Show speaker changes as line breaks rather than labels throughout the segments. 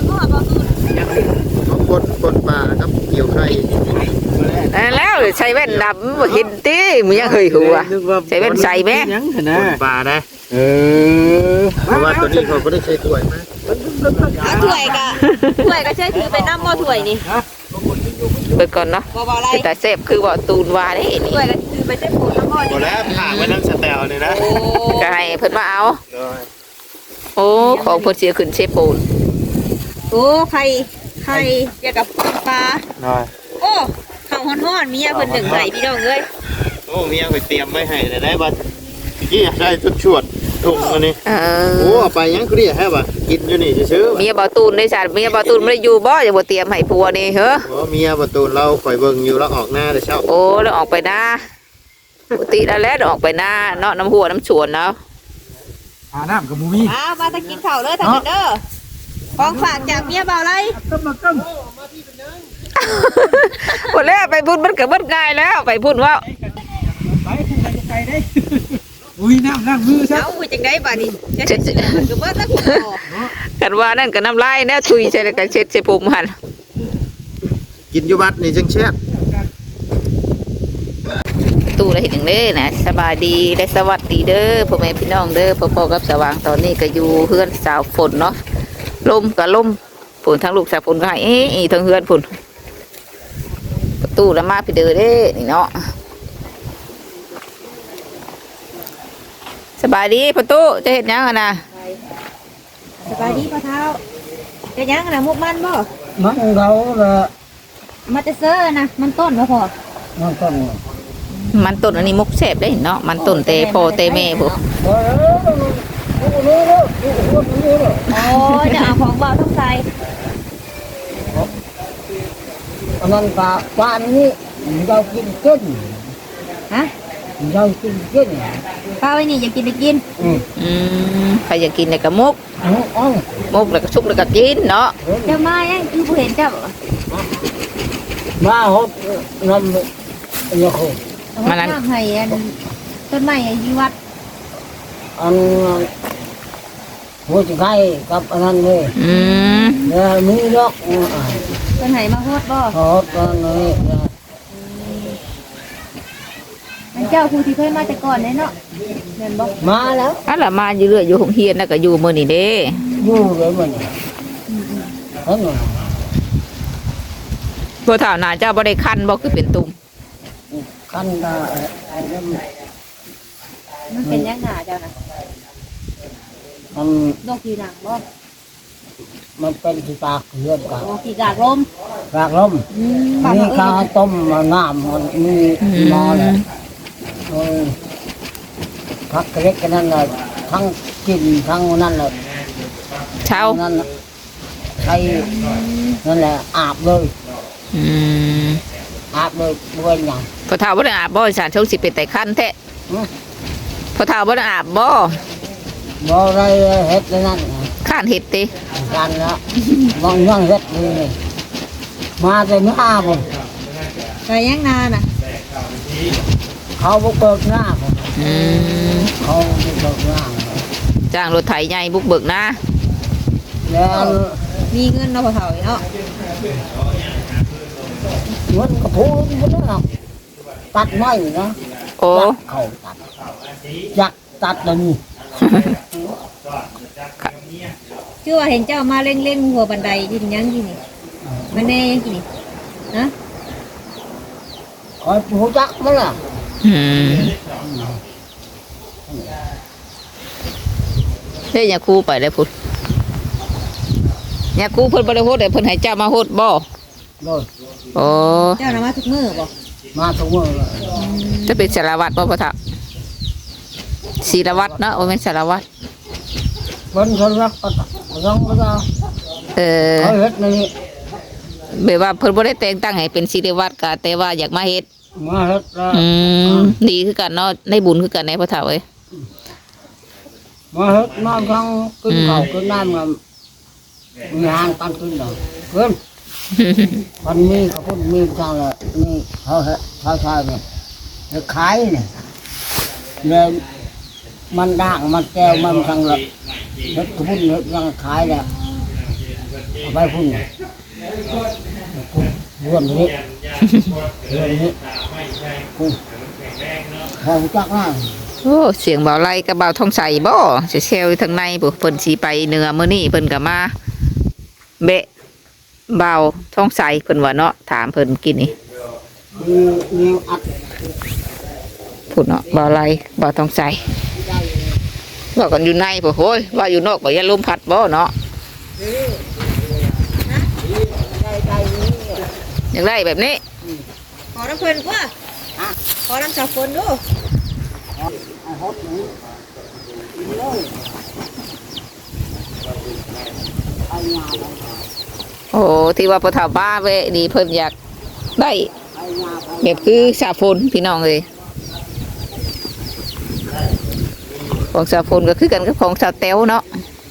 ก็บ่คือ
ปนปลาครับเกี่ยวไข่
แล้วใส่แว่นดำบ่เห็นติมันยังเคยหัวใส่แว่นใส่แม่
ยังข
ป
นาด
นปลาได้
เพ
ราะว่าตัวนี้เขาไม่ได้ใช้ถ้วยมา
ถ้วยก็ใช้ถือไปน้ำหม้อถ้วยนี่
เปิดก่อนเนาะ
บ่อะไร
แต่เสพคือบ่ตูนว่าได้นี่
ถ้วยก็ถือไปใช้ปูน้ำหม้อ
หม
นี่
ดแล้วผ่าไว้น้ำสแตลเลยนะ
โอ้
ก็ให้เพิ่นมาเอาโอ้ของเพิ่นสิขึ้นเชฟปูน
โอ้ไข่อยากกับปลา
น้อย
โอ้ข้าวฮ้อนๆเมียเพิ่นดึงไห้พี่น้องเอ้ย
โอ้เมียไปเตรียมไว้ให้ได้บัดที่อยากได้ชุดชวดถุงอันนี้ โอ้ไปยังเครียดแฮะบ่กินอยู่นี่ซื้อ
เมียบ่ตูนได้ซะเมียบ่ตูนบ่ได้อยู่บ่อย่าบ่เตรียมให้ผัวนี่เฮ้อ
โอ้เมียประตูเราข่อยเบิ่งอยู่แล้วออกหน้าแต่เช้า
โอ้แล้วออกไปหน้าปกติแล้วออกไปหน้าเนาะน้ำหัวน้ำสวนเนาะ
หาน้ำกับมูมี่
มาตะกินข้าวเด้อตะกินเด้อของฝากจากเมียเบาไร
ต้มมาต้ม
บ่แล้วไปพุ่นมันก็เบิดง่ายแล้วไปพุ่นว่า
ไปคุณไปจะไปได้อุ้ยน้ำล้างมือซะ
เอาไปจังได๋บัดนี้จะสิก็บ่ตะกิน
กันว่านั่นก็น้ำลายแน่ทุยใส่แล้วก็เช็ดใส่ผมหั่น
กินอยู่บัดนี่จังแซ่บ
ตู้ละเห็นหนึ่งเด้อนะสบายดีและสวัสดีเด้อพ่อแม่พี่น้องเด้อพ่อๆกับสว่างตอนนี้ก็อยู่เฮือนสาวฝนเนาะลมกับลมฝนทั้งลูกสาวฝนก็ให้ทั้งเฮือนฝนประตูละมาพี่เด้อเด้นี่เนาะสบายดีประตูจะเห็นยังอะนะ
สบายดีพ่อเฒ่าจะยังน่ะมุกมันบ่
มันเราละ
มาจะเซอร์นะมันต้นบ่พอ
มันต้น
มันต้นอันนี้มุกแสบได้เนาะมันต้นเตโพเตเมพวก
โอ้จะเอาของบ่าวต้องใส่
มันปลาปลานี้เรากินกิน
ฮะ
เรากินกิน
ป้าไว้นี่อยากกินได้กิน
ใครอยากกินเนี่ยก็มุก
อ๋อ
มุกแล้วก็ชุบแล้วก็กินเนาะ
เจ้ามายังคือบ่เห็นเจ้า
มาหอบน้ำยาคู
มันน้ำให้อันต้นไม้อยู่วัด
อันหัวจิงไข่กับอันนั้นเลย เนี่ยมีดอก
ต้นไห้มาโฮดบ่
หอบอันนี้
มันเจ้าผู้ที่เคยมาแต่ก่อนเนาะเห็นบ่
มาแล้ว
อันละมาอยู่เรื่อยอยู่หงเฮียนแล้วก็อยู่มื้อนี้เด้
อยู่เลยมันเห็นไหม
บ่ถามหน้าเจ้าบ่ได้คันบ่คือเป็นตุ่ม
คันตา
มันเป็นยังหนาเจ้านะ
มัน
โรคผิวหนังบ่
มันเป็นที่ปากเลือดกับ
โรคที่กากลม
ปากลม
ปาก
มี
เรา
ข้าวต้มน้ำมันมีหม้อเลยพักเล็กกันนั่นเลยทั้งกินทั้งนั่นเลย
เช้า
นั่นใช้นั่นแหละอาบเลย
อืม
อาบเลยด้วยอย่าง
พอเฒ่าบ่ได้อาบบ่สารชงสิเป็นแต่คันแท้พอเฒ่าบ่ได้อาบบ่
บ่ได้เฮ็ดเลยนั่น
ข้านเฮ็ดติ
กันแล้วบางยังเฮ็ดเลยมาแต่หน้าผม
แต่ยังนาน่ะ
เขาบุกเบิกหน้าผม
อืม
เขาบุกเบิกหน้า
จ้างรถไถใหญ่บุกเบิกนะ
แล้ว
มีเงินเนาะพ่อเฒ่าเนาะ
มันกระพู้มันนะตัดไม้นะ
โอ้
เขาตัดอยากตัดเลยนี่
ชื่อว่าเห็นเจ้ามาเร่งๆหัวบันไดยินยังอยู่นี่มันแน่ยังกี่นี่นะ
คอยผู้จักมันล่ะ
อืมเฮ้ยอย่าครูไปเลยพุ่นอย่าครูเพิ่นบ่ได้โฮดให้เพิ่นให้เจ้ามาโฮดบ่
โดย
โอ้
เจ้าน่ะมาทุกมื้อบ่
มาทุกเมื่อเลย
จะเป็นสารวัตรบ่พ่อเฒ่าศิรวัตรเนาะบ่แม่นสารวัตร
เป็นคนรักก็ต้องก็ต้อง
เออ
เขาเฮ็ดในนี้
แบบว่าเพิ่นบ่ได้แต่งตั้งให้เป็นศิริวัตรก็แต่ว่าอยากมาเฮ็ด
มาเฮ็ดแล้ว
ดีคือกันเนาะในบุญคือกันในพ่อเฒ่าเอ้ย
มาเฮ็ดมาทั้งกินข้าวกินน้ำกันมีอาหารการกินดอกเพิ่นมันมีเขาพูดมีจังเลยนี่เขาเฮ็ดเขาใช้เนี่ยเฮ็ดขายเนี่ยเลยมันด่างมันแก้วมันทั้งเลยเฮ็ดเขาพูดเฮ็ดยังขายเนี่ยเอาไปพุ่นเนี่ยรวมนี้รวมนี้พุ่นพอจักหน้า
โอ้เสียงเบาไล่กับเบาทองใสบ่สิเซลทางในบ่เพิ่นสิไปเหนือมื้อนี้เพิ่นก็มาเบะเบาทองใสเพิ่นว่าเนาะถามเพิ่นกินนี่
มีอัด
พูดเนาะเบาไล่เบาทองใสว่ากันอยู่ในบ่โหยว่าอยู่นอกบ่อย่าลมพัดบ่เนาะอยากได้แบบนี้
ขอน้ำเพลินกว่าขอน้ำสาวฝนดู
โอ้ที่ว่าพอถาบ้าเว้ดีเพิ่นอยากได้แบบคือสาฝนพี่น้องเลยของสาฝนก็คือกันกับของสาเต้วเนาะ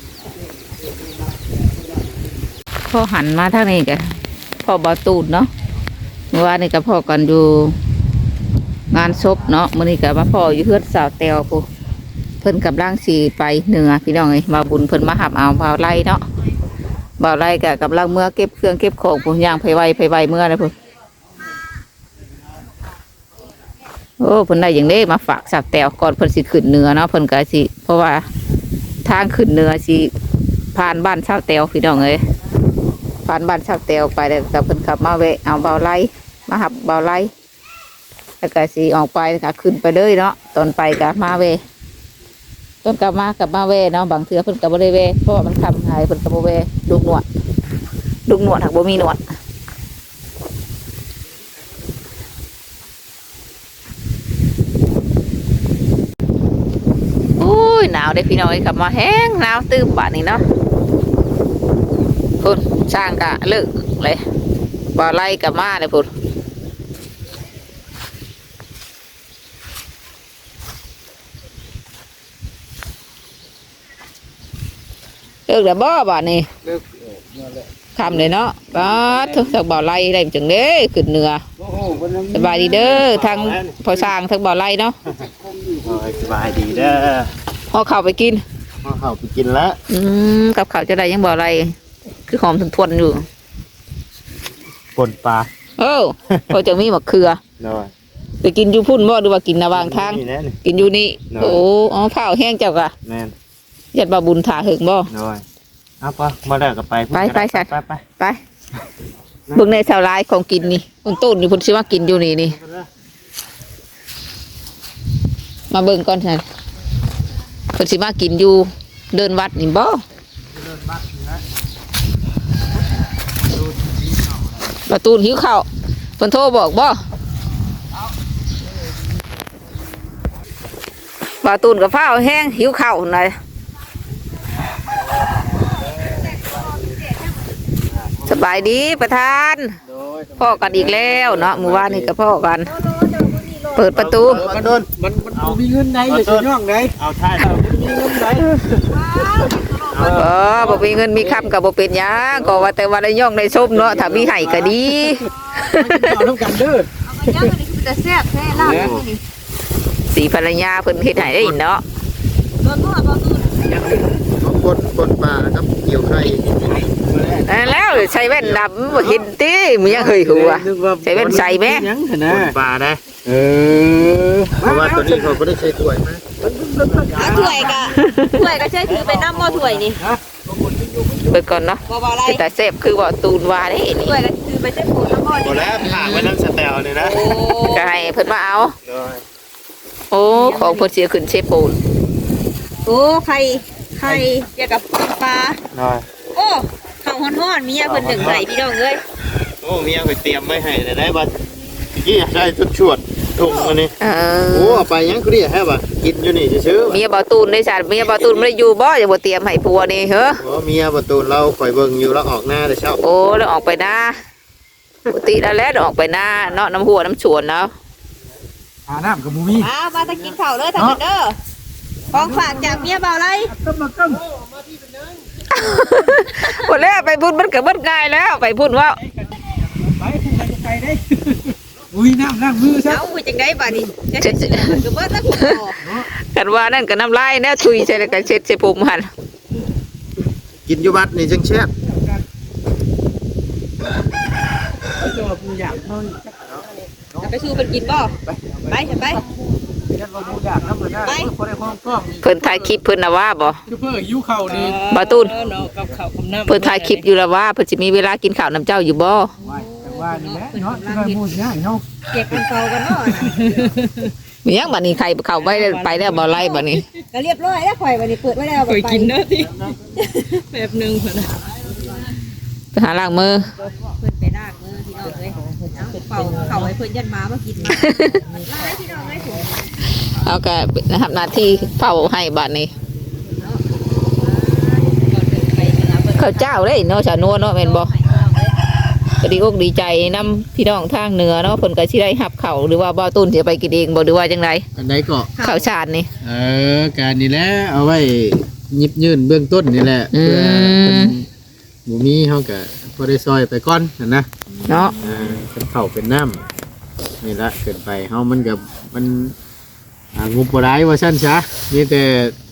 พ่อหันมาทางนี้กันพ่อบอตูดเนาะเมื่อวานนี่กับพ่อกันอยู่งานศพเนาะมื้อนี้กับมาพ่ออยู่เฮือดสาวเต้วพูเพิ่นกับร่างสีไปเหนือพี่น้องเลยมาบุญเพิ่นมาหับเอาเบาไล่เนาะเบาไล่กับร่างเมื่อเก็บเครื่องเก็บของผมย่างไปไวเมื่อนะพุ่นโอ้เพิ่นได้อย่างนี้มาฝากสาวเต้วก่อนเพิ่นสิขึ้นเหนือเนาะเพิ่นก็สิเพราะว่าทางขึ้นเหนือสิผ่านบ้านสาวเต้วพี่น้องเลยผ่านบ้านสาวเต้วไปแล้วก็เพิ่นขับมาแวะเอาเบาไล่มาหับเบาไล่แล้วก็สิออกไปก็ขึ้นไปเลยเนาะตอนไปก็มาแวะเพิ่นกลับมาแวเนาะบางเทื่อเพิ่นก็บ่ได้แวเพราะว่ามันทำหายเพิ่นก็บ่แวลูกหนวดหักบ่มีหนวดโอ้ยหนาวเด้พี่น้องเอ้ยกลับมาแห้งหนาวตื้มบาดนี้เนาะพุ่นสร้างกะเลิกเลยบ่ไล่กลับมาเลยพุ่นเลิกแล้วบ่บาดนี้คำเลยเนาะป้าทุกสักบ่อไล่ได้จังเด้ขึ้นเหนือสบายดีเด้อทางพอสร้างทางบ่อไล่เนาะ
สบายดีเด้อ
พอเข้าไปกิน
มาเข้าไปกินแล้ว
กับข้าวจะได้ยังบ่อไล่คือหอมทวนๆอยู่
ปนปลา
เออพอจะมีมะเขือ
น้อย
ไปกินอยู่พุ่นบ่หรือว่ากินระหว่างทาง
นี่แน่นี่
กินอยู่นี่
เนาะ
โอ้อ๋อข้าวแห้งเจ้ากะ
แม่น
ยัดบาบุญถ่าหึงบ่
น้อยเอาปะมาแล้วก็ไป
ไปสัตว์
ไป
ไปเบิ่งในสาวลายของกินนี่คนต้นนี่เพุ่นสิว่ากินอยู่นี่มาเบิ่งก่อนซั่นเพิ่นสิมากินอยู่เดินวัดนี่บ่ประตูนหิวข้าวเพิ่นโทรบอกบ่ประตูนกับข้าวแห้งหิวข้าวหน่อยสบายดีประธานพ่อกันอีกแล้วเนาะเมื่อวานนี่กับพ่อกัน เปิดประตู
กระโดนมันมีเงินไหนเลยสิน้องไหนเอาใช่มีเงินไหน
บ่มีเงินมีคำกับบ่เป็นหยังก็ว่าแต่ว่าได้ย่องได้ส้มเนาะถ้ามีให้ก็ดี
เอาน้ำกันเด้อ
เอาไปย่างนี่คือแต่แซ่บแท้ลาบนี่
สีภรรยาเพิ่นเฮ็ดให้ได้เนาะ
โดนพ่อบ่ตูน
ปนปลาครับเกี่ยวไข่
แล้วใส่แว่นดำบ่เห็นติมันยังเคยหัวใส่แว่นใส่แม่
ปนปลาได้เพราะว่าตัวนี้เขาก็ได้ใช้ถ้วยมา
เอาถ้วยก็ใช้ถือไปน้ำหม้อถ้วยนี่
เปิดก่อนเนาะ
บ่อะไร
แต่แซ่บคือบ่ตูนว่าเด้นี่
ถ้วยก็ถือไปใช้ปูน้ำหม้อ
หม
นี่
ดแล้วผ่าไว้น้ำสแตลนี่นะ
โอ้
ก็ให้เพิ่นมาเอาโอ้ของเพิ่นเสียขึ้นเชฟปูน
โอ้ไข่เกี่ยวกับปลา
น้อย
โอ้ข้าวฮ้อนๆมียเพิ่นดึงใส่พี่น้องเอ้ย
โอ้เมียไปเตรียมไว้ให้ได้บัดยี่อยากได้ชุดชวดถุงอันนี้ โอ้เอาไปยังเครียดแฮะบ่กินอยู่นี่ซื้อ
เมียบ่ตูนได้จ้ะเมียบ่ตูนบ่ได้อยู่บ่อย่าบ่เตรียมให้ผัวนี่เฮ้อ
โอ้เมียประตูเราข่อยเบิ่งอยู่แล้วออกหน้าแต่เช้า
โอ้แล้วออกไปหน้าปกติแล้วแหละออกไปหน้าเนาะน้ำหัวน้ำชวนเนาะ
หาน้ำกับมูมี
มาตะกินข้าวเด้อทำเด้อของฝากจากเมียเบาไร
หมดแล้วไปพุ่นมันก็เบิดง่ายแล้วไปพุ่นว่า
อุ้ยน้ำล้างมือซะ
เอาไปจังได๋บัดนี้จะสิก็บ่ตะกุ่
กันว่านั่นก็น้ำลายแน่ทุยใช่แล้วก็เช็ดใส่ผมหัน
กินอยู่บัดนี่จังแซ่บ
อยากนอน
ไปสู้เพิ่นกินบ่ไปไป
ยันว่าบ่อยากนำมันได้บ่ได้ห้องกล้อง
เพิ่นถ่ายคลิปเพิ่นน่ะว่าบ่
คือเพิ่นหิวข้าวนี่
บ่ตูน
เนาะกับข้าวกับน้ำ
เพิ่นถ่ายคลิปอยู่แล้วว่าเพิ่นสิมีเวลากินข้าวน้ำเจ้าอยู่บ่
ว่านี่แหละเนาะที่ว่าพูดง่ายเนาะ
เก็บกันเก่ากันเนาะ
มีหยังบัดนี้ใครเข้าไปแล้วบ่ไล่บัดนี้
ก็เรียบร้อยแล้วข่อยวันนี้เปิดไว้แล้ว
เคยกินเด้อที่แบบหนึงพุ่นน่ะ
ไปหาล้างมือ
เพิ่นไปลากมือพี่น้องเอ้ยเอาเป่าให้เพิ่นยันมากินมาลายพี่น้องเอ้ยถูก
เอาก็นะครับหน้าที่เฝ้าให้บัดนี้ข้าวเจ้าเด้เนาะชานัวเนาะแม่นบ่ก็ดีอกดีใจนํพี่น้องทางเหนือเนาะเพิ่นก็สิได้รับข้าวหรือว่าบ่ตุ้นสิไปกินเองบ่หรือว่าจังได
อันใดก็
ข้าวสารนี่
การนี่แหละเอาไว้ยิบยื่นเบื้องต้นนี่แหละ
อืม
เพื่อเพิ่นบ่มีเฮาก็พอได้ซอยไปก่อนนั่นนะ
เนาะ
เป็นข้าวเป็นน้ำนี่ละเกินไปเฮามันก็มันงบบ่ได้ว่าซั่นซะมีแต่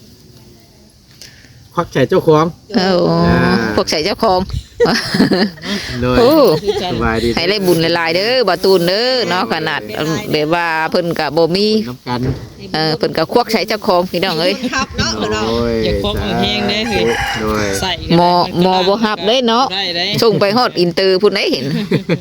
ควักใส่เจ้าของ
พวกใส่เจ้าของ
โดย
โอ้
สบายดี
ให้ได้บุญหลายๆเด้อบ่ตูนเด้อเนาะขนาดแบบว่าเพิ่นก็บ่มี
น้ำกัน
เพิ่นก็ควักใช้เจ้าของพี่น้องเอ้ย
ครับเนาะเนาะ
โดย
อย่าควักเอาแห้งได้เฮ้ย
โดย
ใส่
หมอบ่ฮับเลยเนาะ
ได้ได้
ส่งไปฮอดอินเตอร์พุ่นได้เห็น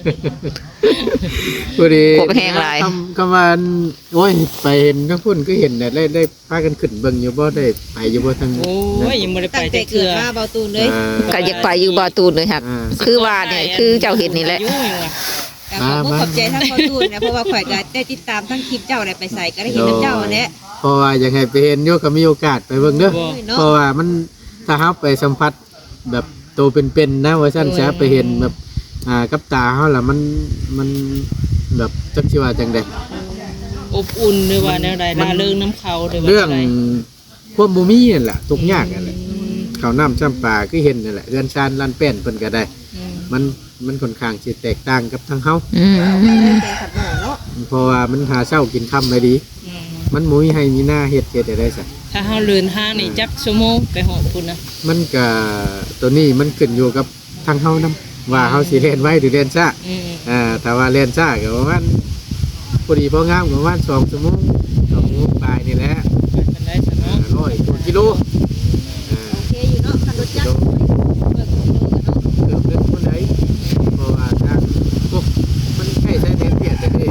พอดี
พวกแห้งหลาย
คำว่าโอ้ยไปเห็นทั้งพุ่นก็เห็นได้ได้พากันขึ้นเบิ่งอยู่บ่ได้ไปอยู่บ่ทั้ง
โอ้ยยังบ่ได้ไป
ตั้งแต่
จัก
เกิ
เทื่
ด
อ
มาเบาตูนเลย
ก็อยากไปอยู่บ่ตูนเลยครับ คือว่าเนี่ยคือเจ้าเห็นนี่แหละ
อายุอยู่อะ
ก็ขอบใจทั้งเบาตูนนะเพราะว่าข่อยก็ได้ติดตามทั้งคลิปเจ้าได้ไปใส่ก็ได้เห็นน้ำเจ้าอันนี้
เพราะว่าอยากให้ไปเห็นอยู่ก็มีโอกาสไปเบิ่งเด้อ
เนาะ
เพราะว่ามันถ้าเฮาไปสัมผัสแบบโตเป็นๆนะว่าซั่นซะไปเห็นแบบกับตาเฮาล่ะมันแบบจักสิว่าจังได๋
อบอุ่นหรือว่าแนวใดล่าเริงน้ำเขาหรือว่า
เรื่อง
ะไ
ความบ่มีนั่นแหละทุกอย่างนั่นแหละข้าวน้ำจำปาคือเห็นนั่นแหละเรือนชานลานแป้นเพิ่นก็ได้
อืม
มันค่อนข้างสิแตกต่างกับทางเฮา
อืม
แต่ขับหมอเนาะ
เพราะว่ามันหาเช้ากินค่ำไม่ดี
อืม
มันบ่มีให้มีหน้าเฮ็ดได้ซะ
ถ้าเฮาเดินทางนี่จักชั่วโมงไปฮอดพุ่นนะ
มันก็ตัวนี้มันขึ้นอยู่กับทางเฮานำว่าเฮาสิเล่นไว้หรือเล่นช้า
อืม
ถ้าว่าเล่นช้าก็ประมาณพอดีพองามก็ประมาณ2ชั่วโมง2ชั่วโมงปลายนี่แหละ
กันได้ซะเนาะ
100กว่ากิโลอ่า
โอเคอยู่เนาะคันรถจักรเปิดของดูกันเนาะ
เกือบเดือนคนไหนเพราะว่าทางพวกมันใกล้ใช้เน็ตเพียแต่นี่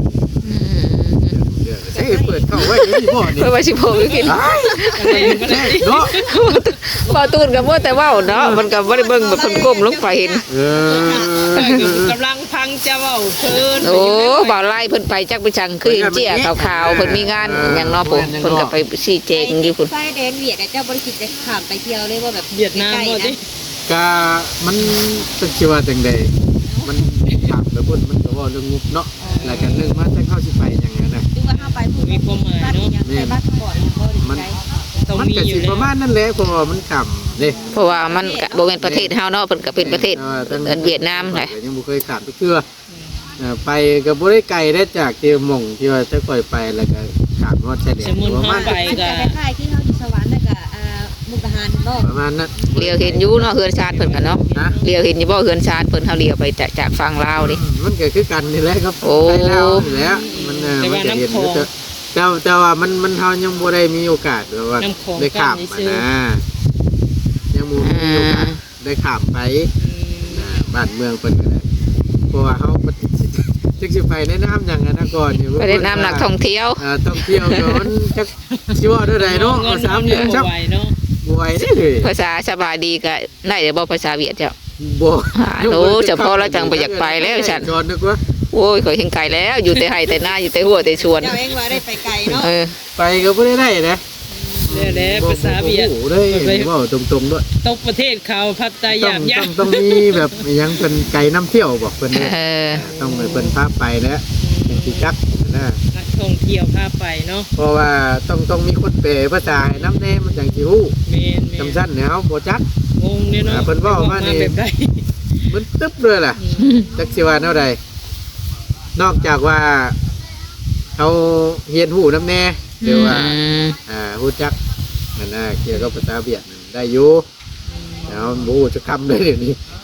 ใช้เปิดเข้าไว้เดี๋ยวนี้บ่นี่
เพื่อว่าสิโพก็กิน
เนาะ
บ่ตูนก็บ่แต่เว้าเนาะมันก็บ่ได้เบิ่งแบบเพิ่นก้มลงไปเห็น
กำลังพังจะเว้าเพิ่น
โอ้บ่าวไล่เพิ่นไปจักไปจังคือเห็นเจี้ยขาวๆเพิ่นมีงานหยังเนาะผมเพิ่นก็ไปชี้แจงอยู่พุ่น
ไฟแดงเวียดเจ้าบริกิจจะข้ามไปเที่ยวเลยว่าแบบ
เวียดนามบ่ดิ
กามันสักชีว่าจังใดมันถามไปพุ่นมันก็เว่าเรื่องงบเนาะแล้วกันนึงมาจะเข้าสิไปอย่างนั้นนะ
ถึงว่าห้าไปพูด
มีความหมายเนาะ
ยังไปบ้านก่อนบ่ได้ใจ
ต้อง
มัน
มี
ก็
อ
สิ
ยู่
ป
แล้
ระ
ว
มาณนั้นแหละเพราะว่ามันต่ำเด้
เพราะว่ามันก็บ่แม่นประเทศเฮาเนาะเพิ่นก็เป็นประเทศเวียดนามแหละ
ยังบ่เคยข้ามไปเทื่อไปก็บ่ได้ไกลได้จากที่หม่องที่ว่าจะค่อยไปแล้วก็ข้ามฮอดชายแดน
สมมุติ
ประมา
เฮา
ณ
ไปก็
แต่คล้ายๆที่เขาอยู่สวรรค์แล้วก็มุกดาหารเนาะ
ประมาณนั้น
เลียวเห็นอยู่เนาะเฮือนชาติเพิ่นก็เนาะ
นะ
เลียวเห็นอยู่บ่เฮือนชาติเพิ่นเฮาเลียวไปจากฝั่งลาวดิ
มันก็คือกันนี่แหละครับ
โอ้
ไปแล้วนี่แหละมันมันก็เห็นอยู่แต่ว่ามันเฮายังบ่ได้มีโอกาสแบบว่า
น้ำของ
ได้ข้าม
กัน
มา
ซื่อ
นะยังบ่มีโอกาสได้ข้ามไปบ้านเมืองเพิ่นก็ได้เพราะว่าเฮาจักสิไปแนะนำหยังนะก่อนนี่
ไปแนะนำนักท่องเที่ยว
ท่องเที่ยวก็มันจักสิว่าได้ใดเนาะ
เงิน
สาม
เ
เนี่ยจัก
ไหวเนาะ
บ่ไหวเด้เลย
ภาษาสบายดีก็ได้แต่บ่ภาษาเวียดเจ้า
บ่
โอ้เฉพาะแล้วจังบ่อยากไปแล้วฉัน
ก่อนนึกว่า
โอ้ยข่อยเห็นไกลแล้วอยู่แต่ไห้แต่หน้าอยู่แต่หัวแต่ชวน
เจ้าเองว่าได้ไปไกลเนาะ
เออ
ไปก็บ่ได้นะ
เด้อเด้ภาษาเวียด
โอ้โหได้เว้าตรงๆด้วย
ตกประเทศเขาพัตยาบยาก
ต้องมีแบบยังเป็นไก่น้ำเที่ยวบอกเพิ่นเนี่ย
เออ
ต้องไปเพิ่นพาไปแล้วเป็นสิจักนะ
นักท่องเที่ยวพาไปเนาะ
เพราะว่าต้องมีคนแปลภาษาให้น้ำแน่มันจังสิฮู้
เมน
จำสั้นเนี่ยเฮาบ่จัก
งงเนี่ยเนาะ
เพิ่นเว้ามานี่
แบบใด
มันตึ๊บเลยล่ะจักสิว่าแนวใดนอกจากว่าเขาเรียนฮู้น้ำแน่หรือว่าฮู้จักนั่นน่ะเกี่ยวกับภาษาเวียดนั่นได้อยู่แล้วบ่ฮู้จะคำเลยเดี๋ยวนี้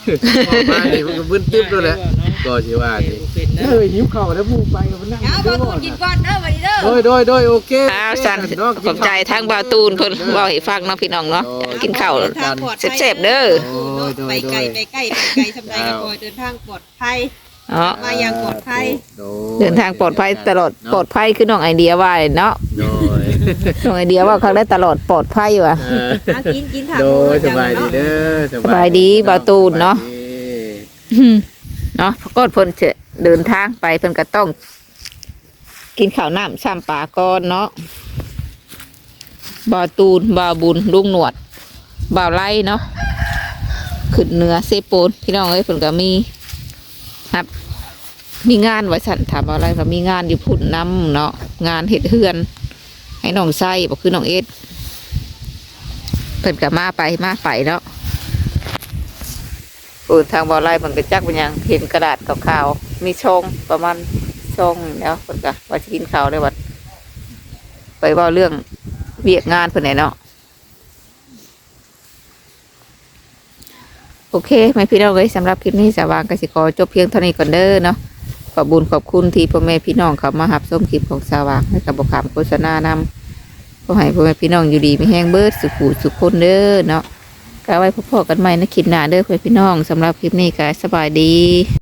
มานี่มันก็บึ้นตึ๊บด้วยแหละก็สิว่านี่
เป็นนะ
เฮ้ยหิวข้าวแล้วมูไปมันนั่ง
เอาบ่ตูนกินก่อนเด้อบัดนี้เด้อ
โดยโอเค
อ้าวสันขอบใจทางบ่าวตูนเพิ่นเว้าให้ฟังเนาะพี่น้องเนาะกินข้าว เสพๆเด้อ
ไปไกลไปใกล้ไปไกลสำใดก็คอยเดินทางปลอดภัย
เนาะ
มาอย่างปลอดภัย
เดินทางปลอดภัยตลอดปลอดภัยคือน้องไอเดียว่าเนาะ
โดย
น้องไอเดียว่าเขาได้ตลอดปลอดภัยว่ะ
เอากินถาม
โดยสบายดีเด้อ
สบายดีบ่าวตูนเนาะ เนาะก็เพิ่นจะเดินทางไปเพิ่นก็ต้อง กินข้าวน้ำซ้ำปลาก่อนเนาะบ่าวตูนบ่าวบุญลุงหนวดบ่าวไล่เนาะขึ้นเหนือเซโปนพี่น้องเอ้ยเพิ่นก็มีครับ มีงานไว้สั่นถามอะไรก็มีงานอยู่พุ่นน้ำเนาะงานเฮ็ดเฮือน ให้น้องไส้บอกคือน้องเอสเพิ่นก็มาไปเนาะทางบ่อไร่มันก็จักเป็นหยังเห็นกระดาษขาวๆมีช่องประมาณช่องแล้วเพิ่นก็ว่าสิกินข้าวได้วัดไปเว้าเรื่องเวียกงานเพิ่นไหนเนาะโอเคไหมพี่น้องเอ้ยสำหรับคลิปนี้สว่างก็สิขอจบเพียงเท่านี้ก่อนเด้อเนาะขอบบุญขอบคุณที่พ่อแม่พี่น้องเขามาหับส้มคลิปของสว่างให้กับบ่ขามโฆษณานำขอให้พ่อแม่พี่น้องอยู่ดีมีแห้งเบิดสุขหูสุขคนเด้อเนาะก็ไว้พบกันใหม่ในคลิปหน้าเด้อเพื่อนพี่น้องสำหรับคลิปนี้ก็สบายดี